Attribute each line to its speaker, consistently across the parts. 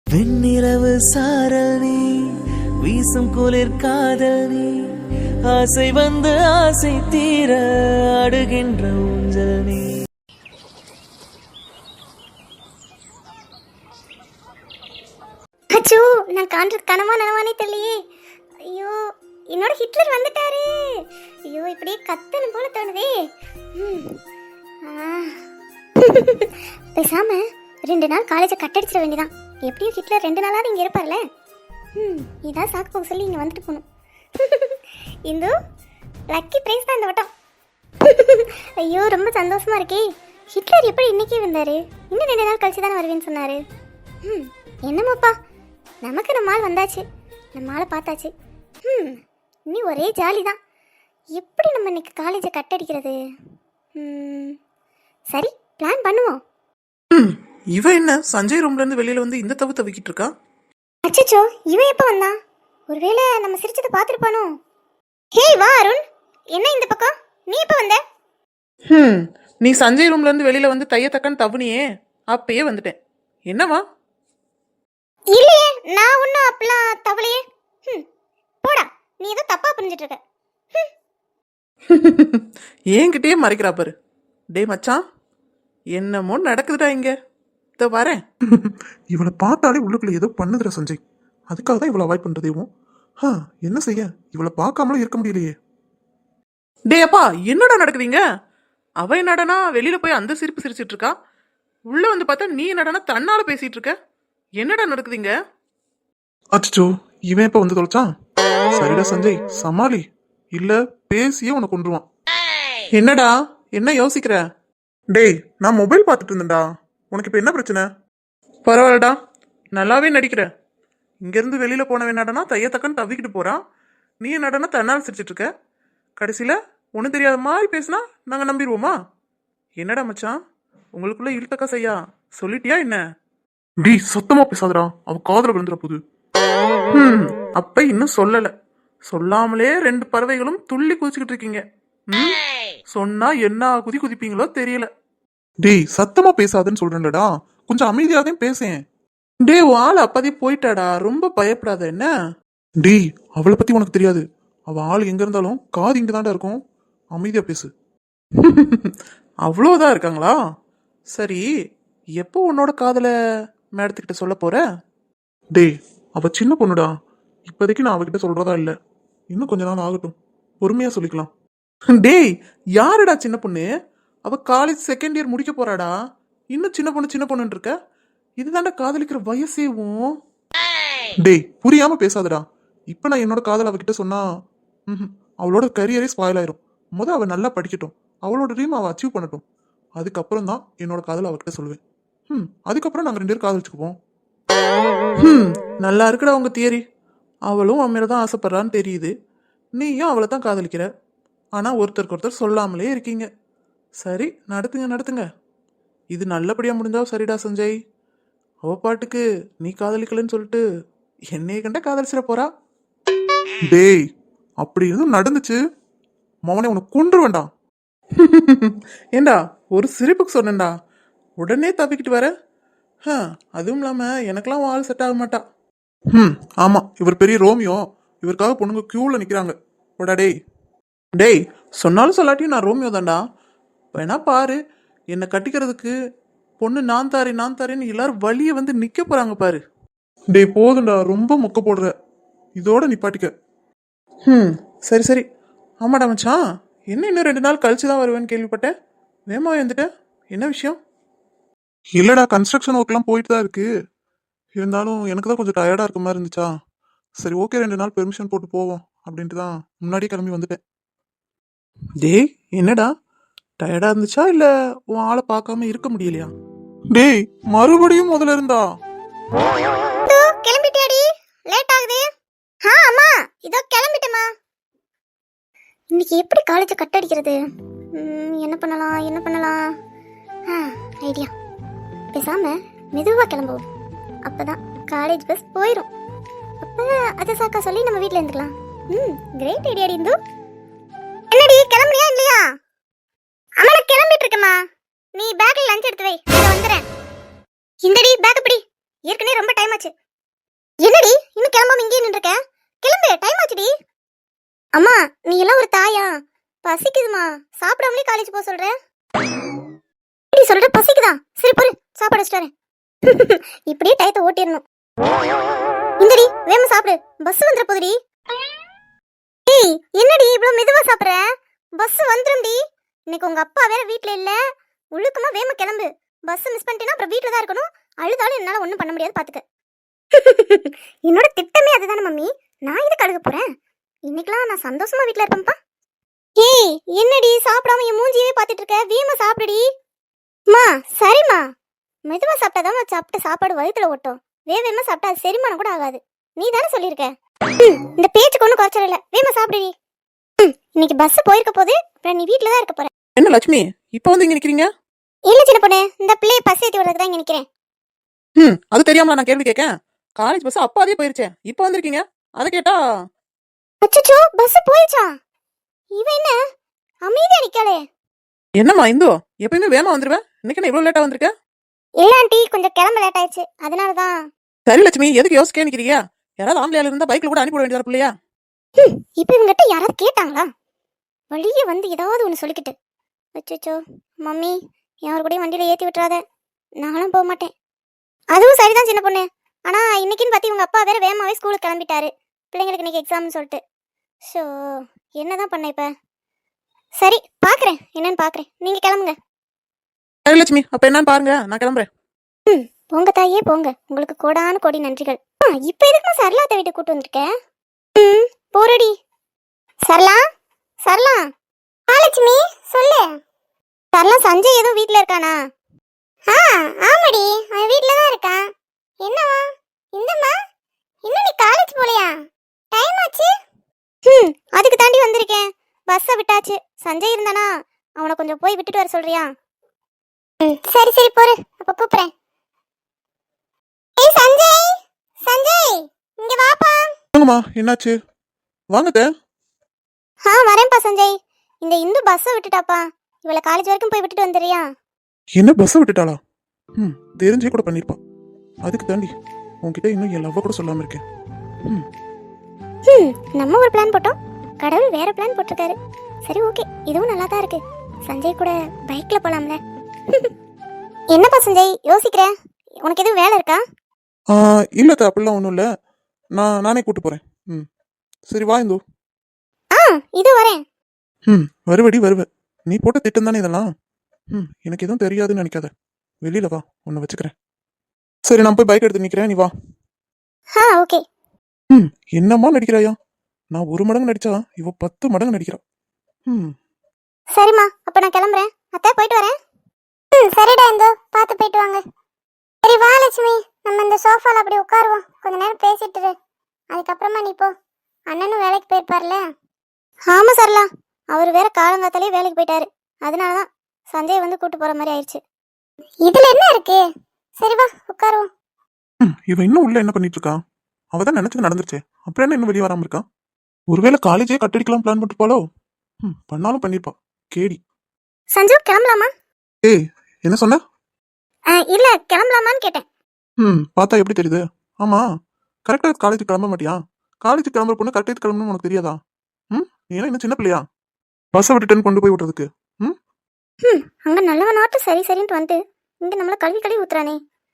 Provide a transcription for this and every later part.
Speaker 1: வெண்ணிலவு சாரல் நீ, வீசும் குளிர் காதல் நீ, ஆசை வந்து ஆசை தீர அடுகின்ற ஊஞ்சல் நீ.
Speaker 2: அச்சோ, நான் காண்றது கனவா நனவானே தெரியலையே. ஐயோ, என்னோட ஹிட்லர் வந்துட்டாரு. ஐயோ, இப்படியே கத்தணும் போல தோணுதே. பேசாம 2 நாள் காலேஜை கட்டடிச்சிட வேண்டியதான். எப்படியும் ஹிட்லர் 2 நாளாவது இங்கே இருப்பார்ல. இதான் சாக்கு போக சொல்லி இங்கே வந்துட்டு போகணும். இந்து லக்கி பிரைஸ் தான் இந்த வட்டம். ஐயோ, ரொம்ப சந்தோஷமா இருக்கே. ஹிட்லர் எப்படி இன்னைக்கே வந்தாரு? இன்னும் 2 நாள் கழிச்சு தானே வருவேன்னு சொன்னாரு. என்னமாப்பா, நமக்கு நம்ம ஆள் வந்தாச்சு, நம்ம ஆளை பார்த்தாச்சு. இனி ஒரே ஜாலி தான். எப்படி நம்ம இன்னைக்கு காலேஜை கட்டடிக்கிறது? சரி, பிளான் பண்ணுவோம்.
Speaker 3: இவன் என்ன சஞ்சய் ரூம்ல இருந்து வெளியில வந்து இந்த தவு தவிக்கிட்டு இருக்கா?
Speaker 2: அச்சச்சோ, இவன் எப்போ வந்தான்? ஒருவேளை நம்ம சிரிச்சதை பார்த்துருப்பானோ? ஹே வா அருண், என்ன இந்த பக்கம்? நீ எப்போ வந்த?
Speaker 3: நீ சஞ்சய் ரூம்ல இருந்து வெளியில வந்து தையத்தக்கன்னு தவுனியே, அப்பயே வந்துட்டேன். என்னவா?
Speaker 2: இல்லையே, நான் ஒன்றும் அப்பெல்லாம் தவளையே. போடா, நீ ஏதோ தப்பா புரிஞ்சிட்டு இருக்க.
Speaker 3: ஏன்கிட்டயே மறைக்கிறா பாரு. டே மச்சான், என்னமோ நடக்குதுடா இங்க. இதோ வரேன்.
Speaker 4: இவளை பார்த்தாலே உள்ளுக்குள்ள ஏதோ பண்ணுதுடா சஞ்சய். அதுக்காக தான் இவளை அவாய்ட் பண்றதேவும். என்ன செய்ய, இவளை பார்க்காமலும் இருக்க முடியலையே.
Speaker 3: டே அப்பா, என்னடா நடக்குதுங்க? அவ என்னடனா வெளியில போய் அந்த சிரிப்பு சிரிச்சிட்டு இருக்கா, உள்ள வந்து பார்த்தா நீ என்னடனா தன்னால பேசிட்டு இருக்க. என்னடா நடக்குதுங்க?
Speaker 4: அச்சோ, இவன் எப்ப வந்து தொலைச்சான்? சரிடா சஞ்சய், சமாளி, இல்ல பேசியே உன்னை கொண்டுருவான்.
Speaker 3: என்னடா, என்ன யோசிக்கிற?
Speaker 4: டேய், நான் மொபைல் பார்த்துட்டு இருந்தேன்டா. உனக்கு இப்ப என்ன பிரச்சனை?
Speaker 3: பரவாயில்லடா, நல்லாவே நடிக்கிற. இங்கிருந்து வெளியில போனவன் என்னடனா தையத்தக்கன்னு தவிக்கிட்டு போறான், நீ என்னடனா தன்னால் சிரிச்சிட்டு இருக்க. கடைசியில ஒன்றும் தெரியாத மாதிரி பேசினா நாங்க நம்பிடுவோமா? என்னடா மச்சான், உங்களுக்குள்ள இழுத்தக்கா செய்யா சொல்லிட்டியா என்ன?
Speaker 4: டேய், சத்தமா பேசாதடா, அவ காதல விழுந்துற போது.
Speaker 3: அப்ப இன்னும் சொல்லல. சொல்லாமலே 2 பறவைகளும் துள்ளி குதிச்சுக்கிட்டு இருக்கீங்க. சொன்னா என்ன குதிப்பீங்களோ தெரியல.
Speaker 4: டேய், சத்தமா பேசாதன்னு சொல்றேன்டா, கொஞ்சம் அமைதியாதான் பேசேன்.
Speaker 3: டே, ஆள் அப்பதே போயிட்டாடா, ரொம்ப பயப்படாத என்ன.
Speaker 4: டேய், அவளை பத்தி உனக்கு தெரியாது. அவ ஆள் எங்க இருந்தாலும் காது இங்க தாண்டா இருக்கும். அமைதியா பேசு.
Speaker 3: அவ்வளோதான் இருக்காங்களா? சரி, எப்போ உன்னோட காதல மேடத்துக்கிட்ட சொல்ல போற?
Speaker 4: டேய், அவ சின்ன பொண்ணுடா. இப்போதைக்கு நான் அவகிட்ட சொல்றதா இல்ல. இன்னும் கொஞ்ச நாள் ஆகட்டும், பொறுமையா சொல்லிக்கலாம்.
Speaker 3: டேய், யாருடா சின்ன பொண்ணு? அவ காலேஜ் 2nd இயர் முடிக்க போறாடா. இன்னும் சின்ன பொண்ணுன்னு இருக்க. இதுதான்டா காதலிக்கிற வயசேவும்.
Speaker 4: டேய், புரியாம பேசாதடா. இப்ப நான் என்னோட காதல் அவகிட்ட சொன்னா அவளோட கரியரே ஸ்பாயில் ஆயிரும். அவ நல்லா படிக்கட்டும், அவளோட ட்ரீம் அவ அச்சீவ் பண்ணட்டும். அதுக்கப்புறம் தான் என்னோட காதல் அவகிட்ட சொல்லுவேன். அதுக்கப்புறம் நாங்க 2 பேரும் காதலிச்சுக்குவோம்.
Speaker 3: நல்லா இருக்குடா உங்க தியரி. அவளும் அவன் மேலதான் ஆசைப்படுறான்னு தெரியுது, நீயும் அவளை தான் காதலிக்கிற. ஆனா ஒருத்தருக்கு ஒருத்தர் சொல்லாமலே இருக்கீங்க. சரி, நடத்துங்க. இது நல்லபடியா முடிஞ்சா சரிடா சஞ்சய். அவ பாட்டுக்கு நீ காதலிக்கலன்னு சொல்லிட்டு என்னைய கண்ட காதலிச்சிட போறா.
Speaker 4: டேய், அப்படி எதுவும் நடந்துச்சு மவனே உனக்கு கொன்று வேண்டாம்.
Speaker 3: ஏண்டா, ஒரு சிரிப்புக்கு சொன்னேன்டா, உடனே தப்பிக்கிட்டு வர. அதுவும் இல்லாம எனக்கெல்லாம் ஆள் செட் ஆக மாட்டா.
Speaker 4: ஆமா, இவர் பெரிய ரோமியோ. இவருக்காக பொண்ணுங்க கியூல நிக்கிறாங்க. போடா டேய்.
Speaker 3: டேய், சொன்னாலும் சொல்லாட்டியும் நான் ரோமியோ தான்டா. வேணா பாரு, என்னை கட்டிக்கிறதுக்கு பொண்ணு நான் தாரேன்னு எல்லாரும் வழிய வந்து நிக்க போறாங்க பாரு.
Speaker 4: டேய், போதுண்டா, ரொம்ப மொக்க போடுற. இதோட நிப்பாட்டிக்க.
Speaker 3: சரி. ஆமாடா மச்சான், இன்னும் 2 நாள் கழிச்சுதான் வருவேன்னு கேள்விப்பட்டேன். வேமா வந்துட்ட, என்ன விஷயம்?
Speaker 4: இல்லடா, கன்ஸ்ட்ரக்ஷன் ஒர்க் எல்லாம் போயிட்டு தான் இருக்கு. இருந்தாலும் எனக்கு தான் கொஞ்சம் டயர்டா இருக்க மாதிரி இருந்துச்சா. சரி, ஓகே, 2 நாள் பெர்மிஷன் போட்டு போவோம் அப்படின்ட்டு தான் முன்னாடியே கிளம்பி வந்துட்டேன்.
Speaker 3: டேய், என்னடா டயர்டா இருந்துச்சா இல்ல உன் ஆளை பார்க்காம இருக்க முடியலையா?
Speaker 4: டேய், மறுபடியும் முதல்ல இருந்தா?
Speaker 2: கிளம்பிட்டியாடி? லேட் ஆகுது. அம்மா, இதோ கிளம்பிட்டேம்மா. இன்னைக்கு எப்படி காலேஜை கட்டடிக்கிறது? என்ன பண்ணலாம்? ஐடியா. பேசாம மெதுவா கிளம்புவோம். அப்பதான் காலேஜ் பஸ் போயிடும். அப்ப அதை சாக்கா சொல்லி நம்ம வீட்டில் இருந்துக்கலாம். கிரேட் ஐடியாடி இந்து. என்னடி, கிளம்புறியா இல்லையா? அம்மா, நான் கிளம்பிட்டு இருக்கேம்மா. நீ பேக்ல லஞ்ச் எடுத்து வை, நான் வந்துடுறேன். இந்தடி பேக் பிடி. ஏற்கனவே ரொம்ப டைம் ஆச்சு. என்னடி இன்னும் கிளம்பாம இங்கே நின்றுருக்க? கிளம்பு, டைம் ஆச்சுடி. அம்மா நீ எல்லாம் ஒரு தாயா? பசிக்குதுமா, சாப்பிடாமலே காலேஜ் போக சொல்ற. இப்படி சொல்ற பசிக்குதா? சரி பொறு, சாப்பாடு வச்சுட்டு வரேன். இப்படியே டயத்தை ஓட்டிடணும். இந்தடி வேம சாப்பிடு, பஸ் வந்துற போதுடி. ஏய் என்னடி இவ்வளவு மெதுவா சாப்பிடுற? பஸ் வந்துரும்டி. இன்னைக்கு உங்க அப்பா வேற வீட்ல இல்ல. ஒழுக்கமா வேம கிளம்பு. பஸ் மிஸ் பண்ணிட்டேன்னா அப்புறம் வீட்ல தான் இருக்கணும். அழுதாலும் என்னால ஒண்ணும் பண்ண முடியாது பாத்துக்க. என்னோட திட்டமே அதுதானே மம்மி. நான் இதுக்கு அழுக போறேன்? இன்னைக்கெல்லாம் நான் சந்தோஷமா வீட்ல இருப்பேன்ப்பா. ஏய் என்னடி சாப்பிடாம என் மூஞ்சியவே பாத்துட்டு இருக்க? வேம சாப்பிடுடி. மா சரிம்மா, மெதுவா சாப்பிட்டாதான் சாப்பிட்ட சாப்பாடு வயிற்றுல ஓட்டும். வேகமா சாப்பிட்டா அது செரிமானம் கூட ஆகாது. நீ தானே சொல்லியிருக்க. இந்த பேச்சுக்கு ஒன்றும் குறைச்சல் இல்லை. வேகமா சாப்பிடுடி. இன்னைக்கு பஸ் போயிருக்க போது, அப்புறம் நீ வீட்டில் தான் இருக்க போற.
Speaker 3: என்ன லட்சுமி இப்போ வந்து இங்க நிக்கிறீங்க?
Speaker 2: இல்ல சின்ன பொண்ணு, இந்த பிள்ளையை பஸ் ஏற்றி விடுறதுக்கு தான் இங்க நிக்கிறேன்.
Speaker 3: அது தெரியாமல நான் கேள்வி கேட்கேன். காலேஜ் பஸ் அப்பாதே போயிருச்சேன், இப்போ வந்திருக்கீங்க. அதை கேட்டா
Speaker 2: அச்சச்சோ பஸ் போயிடுச்சா? இவன் என்ன அமைதியா நிக்காளே?
Speaker 3: என்னம்மா இந்து, எப்பயுமே வேகமா வந்துருவேன், இன்னைக்கு என்ன இவ்வளவு லேட்டா வந்திருக்க?
Speaker 2: இல்ல ஆண்டி, கொஞ்சம் கிளம்ப லேட் ஆயிடுச்சு, அதனாலதான்.
Speaker 3: சரி லட்சுமி, எதுக்கு யோசிக்க நிக்கிறீங்க? யாராவது ஆம்பளையால இருந்தா பைக்ல கூட அனுப்பி விட வேண்டியதா பிள்ளையா?
Speaker 2: இப்ப இவங்கிட்ட யாராவது கேட்டாங்களா? வழியே வந்து ஏதாவது ஒண்ணு சொல்லிக்கிட்டு. அச்சச்சோ மம்மி, யாரு கூடயும் வண்டியில ஏத்தி விட்டுறாத, நானும் போக மாட்டேன். அதுவும் சரிதான் சின்ன பொண்ணு. ஆனா இன்னைக்குன்னு பார்த்து இவங்க அப்பா வேற வேகமாவே ஸ்கூலுக்கு கிளம்பிட்டாரு, பிள்ளைங்களுக்கு இன்னைக்கு எக்ஸாம்னு சொல்லிட்டு. ஸோ என்னதான் பண்ண இப்ப? சரி பாக்குறேன், என்னன்னு பாக்குறேன். நீங்க கிளம்புங்க.
Speaker 3: சரி லட்சுமி, அப்ப என்னன்னு பாருங்க, நான் கிளம்புறேன்.
Speaker 2: போங்க தாயே போங்க, உங்களுக்கு கோடான கோடி நன்றிகள். இப்ப எதுக்கு சரளாத்த வீட்டு கூட்டு வந்திருக்க? போறடி. சரளா, சரளா. லட்சுமி சொல்லு. சரளா, சஞ்சய் எதுவும் வீட்ல இருக்கானா? ஆமாடி, அவன் வீட்ல தான் இருக்கான். என்னவா? இந்தம்மா இன்னும் நீ காலேஜ் போலையா? டைம் ஆச்சு. அதுக்கு தாண்டி வந்திருக்கேன். பஸ்ஸை விட்டாச்சு. சஞ்சய் இருந்தானா, அவனை கொஞ்சம் போய் விட்டுட்டு வர சொல்றியா? சரி சரி போரு, அப்ப கூப்பிடுறேன். ஏய் சஞ்சய், சஞ்சய் இங்க வாப்பா.
Speaker 4: வாங்கம்மா, என்னாச்சு? வாங்கத்த.
Speaker 2: வரேன்ப்பா சஞ்சய். இந்த இந்து பஸ்ஸை விட்டுட்டாப்பா. இவளை காலேஜ் வரைக்கும் போய் விட்டுட்டு வந்துடுறியா?
Speaker 4: என்ன பஸ்ஸை விட்டுட்டாளா? தெரிஞ்சே கூட பண்ணிருப்பா. அதுக்கு தாண்டி உன்கிட்ட இன்னும் என் லவ்வ கூட சொல்லாம இருக்கேன்.
Speaker 2: நம்ம ஒரு பிளான் போட்டோம், கடவுள் வேற பிளான் போட்டிருக்காரு. சரி ஓகே, இதுவும் நல்லா தான் இருக்கு. சஞ்சய் கூட பைக்ல போலாம்ல. என்னப்பா சஞ்சய் யோசிக்கிற? உனக்கு எதுவும் வேலை இருக்கா?
Speaker 4: இல்லத்த, அப்படிலாம் ஒன்றும் இல்லை. நானே கூட்டு போறேன். சரி வா இந்து.
Speaker 2: இது வரேன்.
Speaker 4: வருவடி வருவ. நீ போட்ட திட்டம் தானே இதெல்லாம். எனக்கு எதுவும் தெரியாதுன்னு நினைக்காத. வெளியில வா, உன்னை வச்சுக்கிறேன். சரி நான் போய் பைக் எடுத்து நிக்கிறேன், நீ வா.
Speaker 2: ஓகே.
Speaker 4: என்னம்மா நடிக்கிறாயா? நான் 1 மடங்கு நடிச்சா இவ 10 மடங்கு நடிக்கிறா.
Speaker 2: சரிம்மா, அப்ப நான் கிளம்புறேன். அத்தை போயிட்டு வரேன். சரிடா இந்து, பார்த்து போயிட்டு வாங்க. சரி வா லட்சுமி, நம்ம இந்த சோஃபால அப்படி உட்காருவோம், கொஞ்ச நேரம் பேசிட்டு இரு. அதுக்கப்புறமா நீ போ. அண்ணனும் வேலைக்கு போயிருப்பார்ல. ஆமா சரலா, அவர் வேற காலங்காத்தாலே வேலைக்கு போயிட்டாரு. அதனாலதான் சஞ்சய் வந்து கூட்டு போற மாதிரி ஆயிடுச்சு. இதுல என்ன இருக்கு? சரி வா உட்காருவோம்.
Speaker 4: இவ இன்னும் உள்ள என்ன பண்ணிட்டு இருக்கா? அவதான் நினைச்சது நடந்துருச்சே, அப்புறம் என்ன இன்னும் வெளியே வராம இருக்கா? ஒருவேளை காலேஜே கட்டடிக்கலாம் பிளான் பண்ணிருப்பாளோ? பண்ணாலும் பண்ணிருப்பா, கேடி.
Speaker 2: சஞ்சு கிளம்பலாமா?
Speaker 4: ஏய் என்ன சொன்ன?
Speaker 2: இல்ல கிளம்பலாமான்னு கேட்டேன்.
Speaker 4: பார்த்தா எப்படி தெரியுது? ஆமா, கரெக்டா காலேஜுக்கு கிளம்ப மாட்டியா? காலேஜுக்கு கிளம்புற பொண்ணு கரெக்டாக கிளம்பணும்னு உனக்கு தெரியாதா? ஏன்னா இன்னும் சின்ன பிள்ளையா பஸ்ஸை விட்டுட்டு கொண்டு போய் விடுறதுக்கு?
Speaker 2: அங்க நல்லவனாட்டும் சரி சரின்ட்டு வந்து இங்க நம்மள கல்வி கழுவி ஊத்துறானே.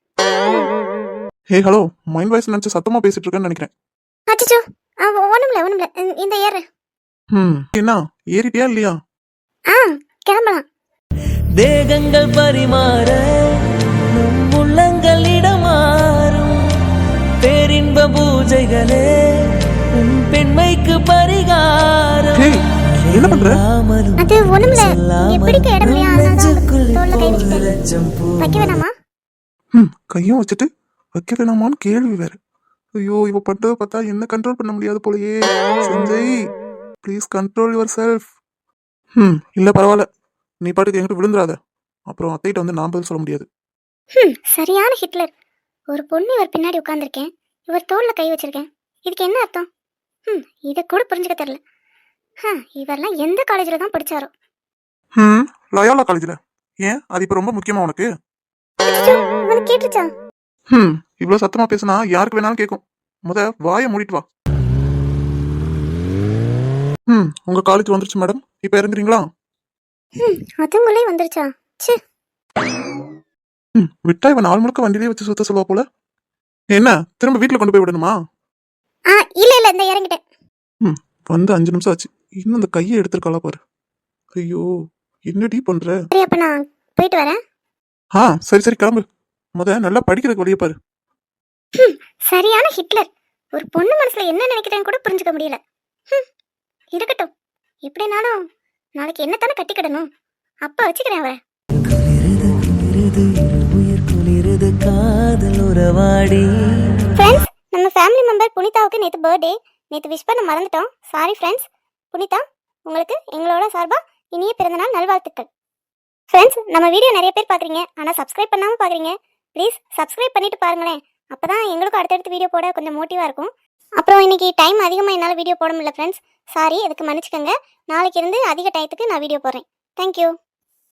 Speaker 4: ஹே ஹலோ, மைண்ட் வாய்ஸ் நினைச்சு சத்தமா பேசிட்டு இருக்கேன்னு நினைக்கிறேன்.
Speaker 2: அச்சச்சோ, ஒண்ணுமில்ல இந்த ஏற.
Speaker 4: என்ன ஏறிட்டியா இல்லையா?
Speaker 2: கிளம்பலாம்.
Speaker 1: தேகங்கள் பரிமாற நம் உள்ளங்கள் இடமாறும் பேரின்ப பூஜைகளே உன் பெண்மைக்கு பரிகாரம்.
Speaker 4: என்ன பண்ற?
Speaker 2: அது ஒண்ணுமில்ல, எப்படிக்க இடம் இல்லையா, தோல்ல கை வச்சுட்டேன். வைக்க வேணாமா?
Speaker 4: கையும் வச்சுட்டு வைக்க வேணாமான்னு கேள்வி வேற. ஐயோ, இவ பண்றத பார்த்தா என்ன கண்ட்ரோல் பண்ண முடியாது போலயே. Sanjay please control yourself. இல்ல பரவாயில்ல, நீ பாட்டுக்கு என்கிட்ட விழுந்துடாத, அப்புறம் அத்தைகிட்ட வந்து நான் பதில் சொல்ல முடியாது.
Speaker 2: சரியான ஹிட்லர். ஒரு பொண்ணு இவர் பின்னாடி உட்கார்ந்துருக்கேன், இவர் தோல்ல கை வச்சிருக்கேன். இதுக்கு என்ன அர்த்தம்? இத கூட புரிஞ்சுக்க தெரியல. இவரெல்லாம் எந்த காலேஜ்ல தான் படிச்சாரோ?
Speaker 4: லயோலா காலேஜ்ல. ஏன் அது இப்ப ரொம்ப முக்கியமா உனக்கு?
Speaker 2: கேட்டுச்சா?
Speaker 4: இவ்வளோ சத்தமா பேசுனா யாருக்கு வேணாலும் கேட்கும். வாயை மூடிட்டு வா. உங்க காலேஜ் வந்துருச்சு மேடம். இப்போ இறங்குறீங்களா?
Speaker 2: அதுங்களே வந்துருச்சா? ச்சே.
Speaker 4: விட்டா இவன் நாள் முழுக்க வண்டியிலே வச்சு சுத்த சொல்லுவா போல. என்ன திரும்ப வீட்டில் கொண்டு போய் விடணுமா?
Speaker 2: ஆ இல்ல இல்ல இந்த இறங்கிட்டேன்.
Speaker 4: வந்து 5 நிமிஷம் ஆச்சு. இன்னும் அந்த கையை எடுத்துருக்காளா பாரு. ஐயோ, என்னடி பண்ற?
Speaker 2: சரி அப்ப நான் போயிட்டு வரேன்.
Speaker 4: சரி சரி கிளம்பு. நல்லா படிக்கிறதுக்கு வழியை பாரு.
Speaker 2: சரியான ஹிட்லர். ஒரு பொண்ணு மனசுல என்ன நினைக்கிறேன்னு கூட புரிஞ்சுக்க முடியல. இருக்கட்டும், எப்படினாலும் நாளைக்கு என்னத்தானே கட்டிக்கிடணும். அப்ப வச்சுக்கிறேன் அவரை.
Speaker 1: குளிருது உயிர் குளிருது காதல் உறவாடி.
Speaker 2: ஃப்ரெண்ட்ஸ், நம்ம ஃபேமிலி மெம்பர் புனிதாவுக்கு நேற்று பர்த்டே. நேற்று விஷ் பண்ண மறந்துட்டோம். Sorry friends. புனிதா, உங்களுக்கு எங்களோட சார்பாக இனிய பிறந்தநாள் நல்வாழ்த்துக்கள். ஃப்ரெண்ட்ஸ், நம்ம வீடியோ நிறைய பேர் பார்க்குறீங்க, ஆனால் சப்ஸ்கிரைப் பண்ணாமல் பார்க்குறீங்க. ப்ளீஸ் சப்ஸ்கிரைப் பண்ணிட்டு பாருங்களேன். அப்போ தான் எங்களுக்கும் அடுத்தடுத்து வீடியோ போட கொஞ்சம் மோட்டிவாக இருக்கும். அப்புறம் இன்னைக்கு டைம் அதிகமாக என்னால் வீடியோ போட முடியல ஃப்ரெண்ட்ஸ். சாரி, அதுக்கு மன்னிச்சுக்கோங்க. நாளைக்கு இருந்து அதிக டயத்துக்கு நான் வீடியோ போடுறேன். தேங்க்யூ.